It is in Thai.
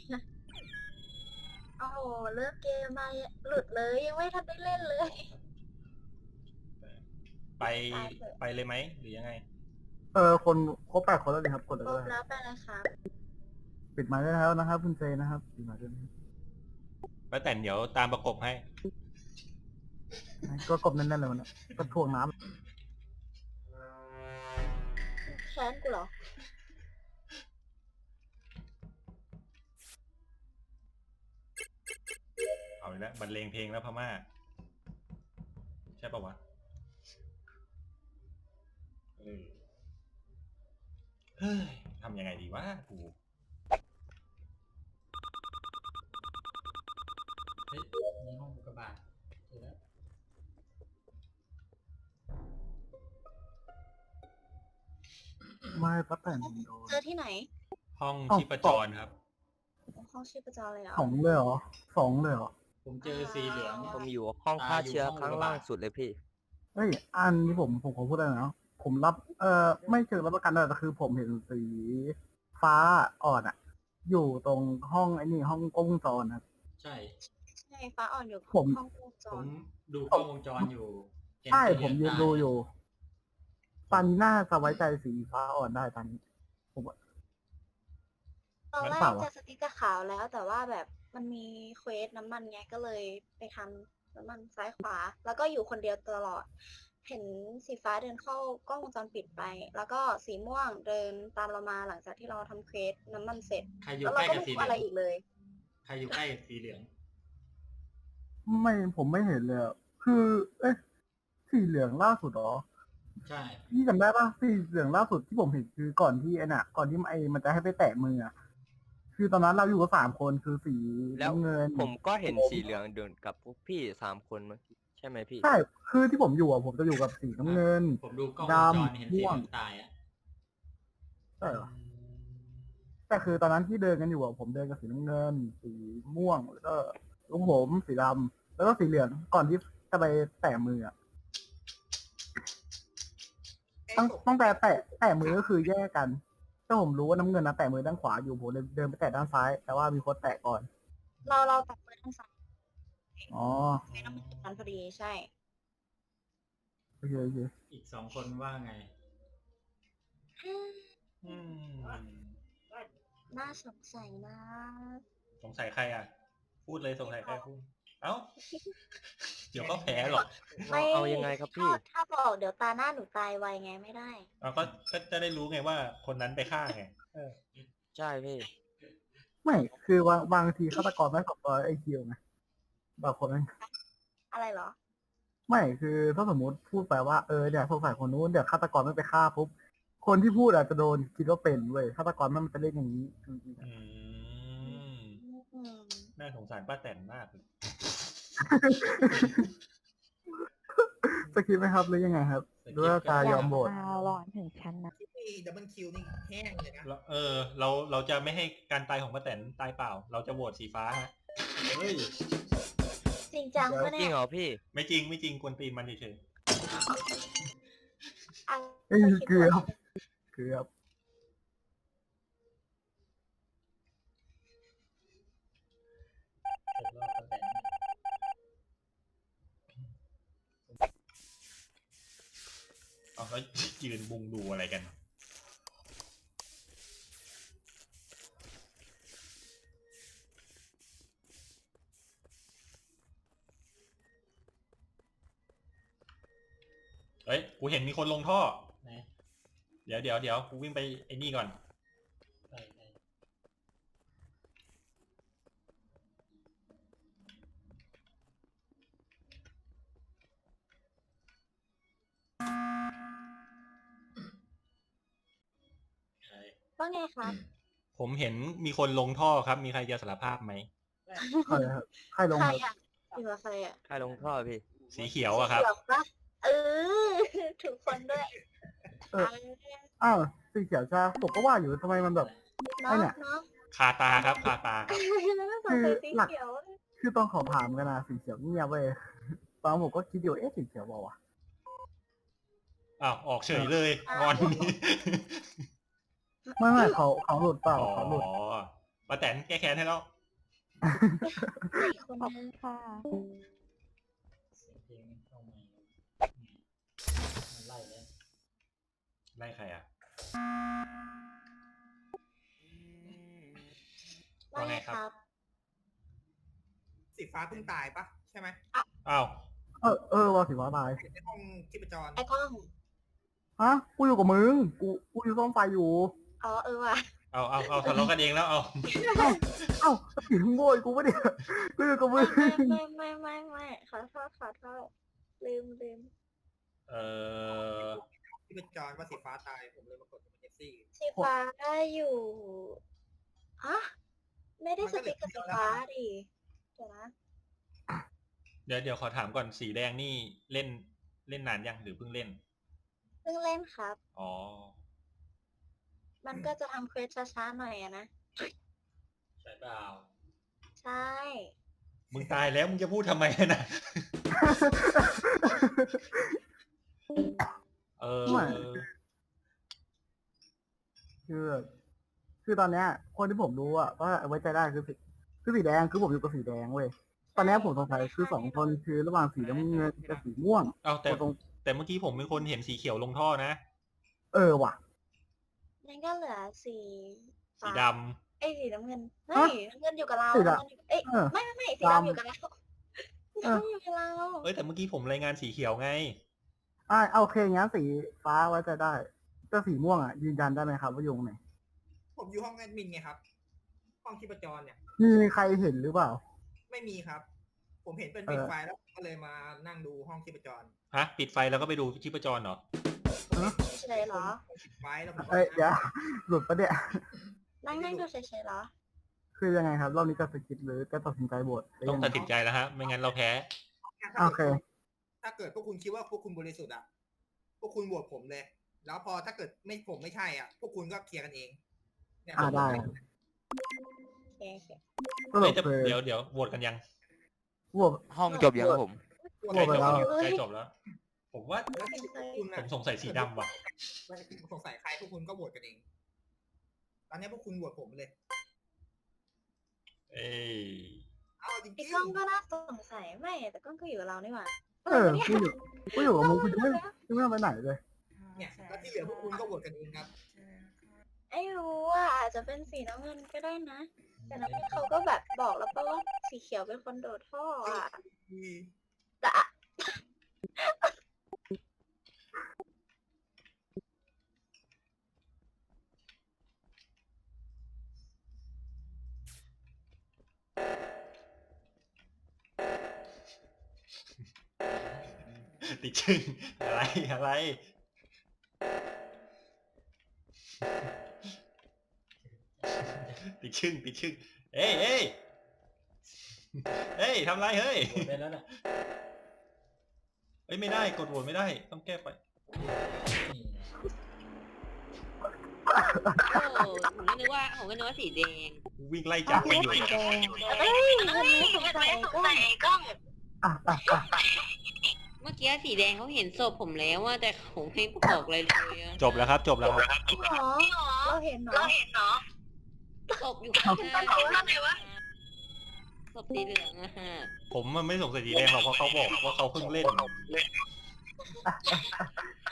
โอ้โหเลิกเกมมาหลุดเลยยังไม่ทันได้เล่นเลยไปตายเถอะไปเลยไหมหรือยังไงคนครบ8 คนแล้วเลยครับกดเลยครบก็ได้แล้วไปเลยครับปิดไมค์ได้แล้วนะครับคุณเจนะครับปิดไมค์ด้วยนะครับป้าแต่นเดี๋ยวตามประกบให้ก็กดแน่นๆเลยมันนะก็ถ่วงน้ำแค้นกูเหรอเอาอีกแล้วบรรเลงเพลงแล้วพม่าใช่ปะวะเฮ้ยทำยังไงดีวะกูเฮ้ยมีห้องอุกกาบาตเจอแล้วไม่ป้าแต่นโดนเจอที่ไหนห้องเอ้าชีพจรครับห้องชีพจรเลยเหรอ 2เลยเหรอ2เลยเหรอผมเจอสีเหลืองผมอยู่ห้องฆ่าเชื้อข้างล่างสุดเลยพี่เฮ้ยอันนี้ผมขอพูดได้นะผมรับไม่เชิงรับประกันเลยแต่คือผมเห็นสีฟ้าอ่อนอะอยู่ตรงห้องไอ้นี่ห้องกล้องวงจรครับใช่ใช่ฟ้าอ่อนอยู่ผมห้องวงจผมรดูกล้องวงจรอยู่เห็นใช่สีเหผลืมองยืนตายดูอยู่ตอนนี้น่าจะไว้ใจสีฟ้าอ่อนได้ตอนนี้ผมว่าตอนแรเปกล่าวะจะสติ๊กเกอร์ขาวแล้วแต่ว่าแบบมันมีเควสน้ำมันไงก็เลยไปทำน้ำมันซ้ายขวา แล้วก็อยู่คนเดียวตลอด เห็นสีฟ้าเดินเข้ากล้องวงจรปิดไป แล้วก็สีม่วงเดินตามเรามาหลังจากที่เราทำเควสน้ำมันเสร็จใครอยู่แล้วใกเราล้ก็กับไม่สีรู้เหลือะไรองอีกเลยใครอยู่ใกล้กับสีเหลืองไม่ผมไม่เห็นเลยอะคือเอ๊ะสีเหลืองล่าสุดเหรอใช่พี่จำได้ป่ะสีเหลืองล่าสุดที่ผมเห็นคือก่อนที่ก่อนที่มันจะให้ไปแตะมืออะคือตอนนั้นเราอยู่กับ3 คนคือสีแล้วน้ำเงินผมก็เห็นสีเหลืองเดินกับพวกพี่3 คนเมื่อกี้ใช่ไหมพี่ใช่คือที่ผมอยู่อะผมจะอยู่กับสีน้ำเงินผมดูกล้องวงดำจรเห็นสีเหม่วลืงองตายอ่ะใช่เหรอแต่คือตอนนั้นที่เดินกันอยู่อะผมเดินกับสีน้ำเงิน สีม่วงแล้วก็ลุงผมสีดำแล้วก็สีเหลืองก่อนที่จะไปแตะมืออะตั้งแต่แตะมือก็คือแยกกันถ้าผมรู้ว่าน้ำเงินนะแตะมือด้านขวาอยู่ผมเลยเดินไปแตะด้านซ้าย แต่ว่ามีคนแตะก่อนเราตัดไปทางซ้ายอ๋อไม่ต้องเป็นนั้นพอดีใช่โอเคโอเคอีก2 คนว่าไงอืมน่าสงสัยนะสงสัยใครอ่ะ พูดเลยสงสัยใครพูด เอ้า เดี๋ยวก็แพ้หรอกไม่เอายังไงครับพี่ถ้าบอกเดี๋ยวตาหน้าหนูตายไวไงไม่ได้เอาก็จะได้รู้ไงว่าคนนั้นไปฆ่าไงใช่พี่ไม่คือบางทีฆาตกรไม่ขอบตัวไอคิวไงบางคนมันอะไรเหรอไม่คือถ้าสมมติพูดไปว่าเนี่ยสงสัยคนนู้นเดี๋ยวฆาตกรไม่ไปฆ่าปุ๊บคนที่พูดอาจจะโดนคิดว่าเป็นเว้ยฆาตกรมันจะเล่นอย่างนี้จริงๆอะอืมอืมน่าสงสารป้าแตนมากเลยจะคิดไหมครับหรือยังไงครับหรือว่าจะยอมโหวตมาหลอนถึงชั้นนะที่ดับเบิลคิวนี่แห้งเลยนะเราจะไม่ให้การตายของป้าแตนตายเปล่า เราจะโหวตสีฟ้าฮะเฮ้ยจริงจังปะจริเนี่งยเหรอพี่ไม่จริงไม่จริงกวนตีนมันเฉยอ่ะเกือบผมรอดตั้งแต่ๆเอาแล้วยืนบุงดูอะไรกัน เฮ้ย กูเห็นมีคนลงท่อไหนเดี๋ยวกูวิ่งไปไอ้นี่ก่อนไปไปใช่ว่าไงคะผมเห็นมีคนลงท่อครับ มีใครจะสารภาพไหมใครครับใครลงใครครับอ่ะอยู่กับใครอ่ะใครลงท่อพี่สีเขียวอะครับเขียวปะเออ ถูกคนด้วยเออ อ้าวสีเขียวจ้าผมก็ว่าอยู่ทำไมมันแบบเนาะไอ้เนี่ยเนาะคาตาครับ คาตาครับแล้วก็สงสัยสีเขียวคือตอนขอถามกันนะสีเขียวเงียบเว้ยตอนผมก็คิดอยู่สีเขียวบอกว่าวะอ้าว ออกเฉยเลยงอนนี้ไม่เขาหลุดเปล่าอ๋อเขาหลุดป้าแตนแก้แค้นให้แล้วอีกคนนึงค่ะเพลงเข้ามามันไล่แล้วไล่ใครอ่ะว่าไงครับสีฟ้าเพิ่งตายปะใช่ไหมอ้าวว่าสิว่าตายในห้องชีพจรไอ้กล้องฮะ กูอยู่กับมึง กูอยู่ซ่อมไฟอยู่อ๋อว่ะเอาทะเลาะกันเองแล้วเอาเอ้าผีมึงโวยกูปะเนี่ยกูอยู่กับมึไม่งไม่ขอโทษลืมเออชีพจรว่าสีฟ้าตายผมเลยมากดเอเจนซี่สีฟ้าอยู่ฮะไม่ได้สติ๊กกับสีฟ้าดิเดี๋ยวนะเดี๋ยวขอถามก่อนสีแดงนี่เล่นนานยังหรือเพิ่งเล่นเพิ่งเล่นครับอ๋อมันก็จะทำเควสช้าๆหน่อยอะนะใช่เปล่าใช่มึงตายแล้วมึงจะพูดทำไมนะ เออไม่ คือตอนเนี้ย คนที่ผมรู้อ่ะก็ไว้ใจได้คือสีแดงคือผมอยู่กับสีแดงเว้ย ตอนเนี้ยผมสงสัยคือสองคนคือระหว่างสีน้ำเงินกับสีม่วงเอาแต่ตรงแต่เมื่อกี้ผมเป็นคนเห็นสีเขียวลงท่อนะว่ะนั่นก็เหลือสีสีฟ้าดเอ้ยสีน้ำเงินฮะไม่น้ำเงินอยู่กับเราสีดำน้ำเงินอยู่เอ้ยเออไม่สีดำดำอยู่กับเราเออดำอยู่กับเราำเอ้ยแต่เมื่อกี้ผมรายงานสีเขียวไงโอเคงั้นสีฟ้าไว้ใจได้แต่สีม่วงอ่ะยืนยันได้ไหมครับว่าอยู่ตรงไหนผมอยู่ห้องแอดมินไงครับ ห้องชีพจรเนี่ยมีใครเห็นหรือเปล่าไม่มีครับ ผมเห็นเป็นเออปิดไฟแล้วก็เลยมานั่งดูห้องชีพจรฮะ ปิดไฟแล้วก็ไปดูชีพจรเหรอเฉยๆเหรอปิดไฟแล้วผมเดี๋ยวหลุดปะเนี่ยนั่งดูเฉยๆเหรอคือยังไงครับ รอบนี้จะสกิปหรือจะตัดสินใจโหวตหรืต้องยัไตัดสินใจแล้วฮะ ไม่งั้นเราแพ้โอเคถ้าเกิดพวกคุณคิดว่าพวกคุณบริสุทธิ์อ่ะ พวกคุณโหวตผมเลย แล้วพอถ้าเกิดผมไม่ใช่อ่ะ พวกคุณก็เคลียร์กันเองเนี่ยได้โอเคสรุปเอ้ยแต่คือเดี๋ยวโหวตกันยังโหวตห้องจบยังครับผมโหวตโหวตไปแล้วใกล้จบแล้ว ผมว่าแล้วที่พวกคุณผอ่ะมสงสัยสีดำว่ะสงสัยใครพวกคุณก็โหวตกันเอง ตอนนี้พวกคุณโหวตผมเลยเอ้ยเอาจริงไอ้กล้องก็น่าสงสัยไม่แต่กล้องก็อยู่กับเรานี่หว่ากูอยู่กับมึงกูยังไม่ไปไหนเลยๆเนี่ยแล้วที่เหลือพวกคุณก็โหวตกันเองครับไอ้รู้ว่าอาจจะเป็นสีน้ำเงินก็ได้นะ แต่น้ำเงินเขาก็แบบบอกแล้วป่ะว่าสีเขียวเป็นคนโดดท่ออ่ะแต่อะติดชึ่งอะไร ติดชึ่งเอ้ยทำไรเฮ้ยหมดไปแล้วนะเอ้ยไม่ได้กดโหวตไม่ได้ต้องแก้ไปนี่ผมก็นึกว่าสีแดงวิ่งไล่จับมันอยู่สีแดงเอ้ยมันไม่สงสัยไอ้กล้องเมื่อกี้สีแดงเขาเห็นศพผมแล้วว่าแต่ผมไม่บอกเลยเลยอะจบแล้วครับจริงเหรอเราเห็นเหรอศพอยู่ข้างหน้าศพสีเหลืองอะฮะผมมันไม่สงสัยสีแดงหรอกเพราะเขาบอกว่าเขาเพิ่งเล่น